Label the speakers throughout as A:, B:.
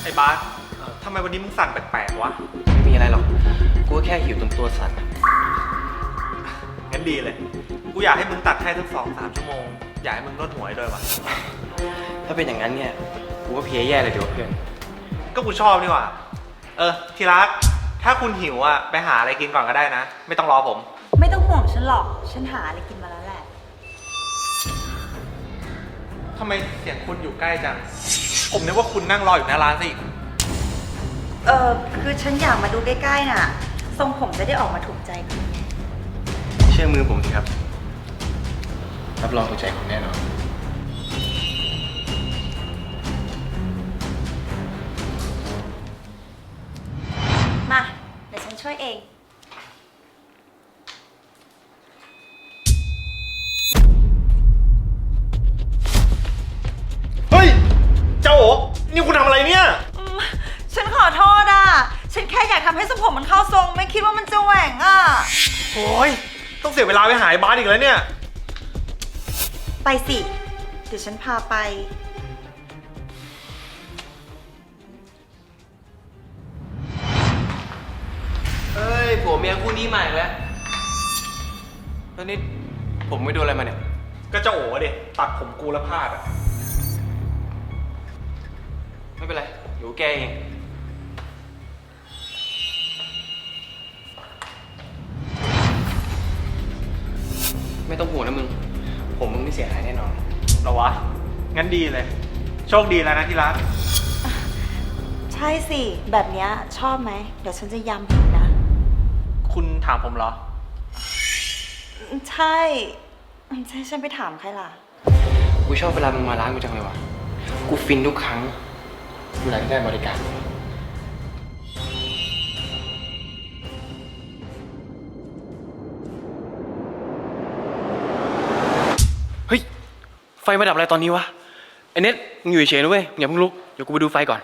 A: ไอ้บาสทำไมวันนี้มึงสั่นแปลกๆวะ
B: ไม่มีอะไรหรอกกูแค่หิวตรงตัวสั่น
A: งั้นดีเลยกูอยากให้มึงตัดให้ทั้ง2-3 ชั่วโมงอยากให้มึงนวดหัวด้วยวะ
B: ถ้าเป็นอย่างนั้นเนี่ยกูก็เพลียแย่เลยเดี๋ยวเพื่อน
A: ก็กูชอบนี่หว่าทีรักถ้าคุณหิวไปหาอะไรกินก่อนก็ได้นะไม่ต้องรอผม
C: ไม่ต้องห่วงฉันหรอกฉันหาอะไรกินมาแล้วแหละ
A: ทำไมเสียงคุณอยู่ใกล้จังผมนึกว่าคุณนั่งรออยู่หน้าร้านสิ
C: คือฉันอยากมาดูใกล้ๆน่ะทรงผมจะได้ออกมาถูกใจคุณไง
B: เชื่อมือผมสิครับรับรองถูกใจคุณแน่นอน
C: มาเดี๋ยวฉันช่วยเอง
A: เฮ้ยเจ้าโอ๋นี่คุณทำอะไรเนี่ย
C: ฉันขอโทษฉันแค่อยากทำให้ทรงผมมันเข้าทรงไม่คิดว่ามันจะแหว่ง
A: โอ้ยต้องเสียเวลาไปหาไอ้บาสอีกแล้วเนี่ย
C: ไปสิเดี๋ยวฉันพาไป
B: เฮ้ยผัวเมียคู่นี้ใหม่แล้วนี่ผมไม่โดนอะไรมาเนี่ย
A: ก็เจ้าโอ๋ดิตัดผมกูแล้วพลาด
B: ไม่เป็นไรเดี๋ยวแกเองไม่ต้องห่วงนะมึงผมมึงไม่เสียหายแน่นอน
A: หรอวะงั้นดีเลยโชคดีแล้วนะที่รัก
C: ใช่สิแบบเนี้ยชอบไหมเดี๋ยวฉันจะย้ำอีกนะ
A: คุณถามผมเหรอ
C: ใช่ฉันไปถามใครล่ะ
B: กูชอบเวลามึงมาร้านกูจังเลยวะกูฟินทุกครั้งเวลาที่ได้บริการเฮ้ยไฟมาดับอะไรตอนนี้วะไอ้เน็ตมึงอยู่เฉยๆนะเว้ยอย่าเพิ่งลุกเดี๋ยวกูไปดูไฟก่อน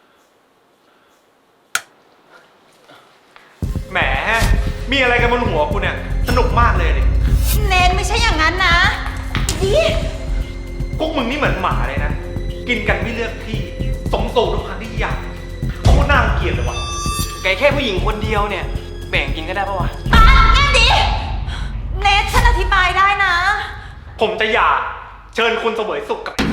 A: แหมมีอะไรกันบนหัวกูเนี่ยสนุกมากเลยดิ
C: เนนไม่ใช่อย่างนั้นนะดิ
A: พวกมึงนี่เหมือนหมาเลยนะกินกันไม่เลือกที่สมสู่ทุกครั้งที่อยากโคตรน่าเกลียดเลยวะ
B: แกแค่ผู้หญิงคนเดียวเนี่ยแบ่งกินก็ได้ปะวะ
C: แง่ดิเนทฉันอธิบายได้นะ
A: ผมจะอยากเชิญคุณเสวยสุขกับ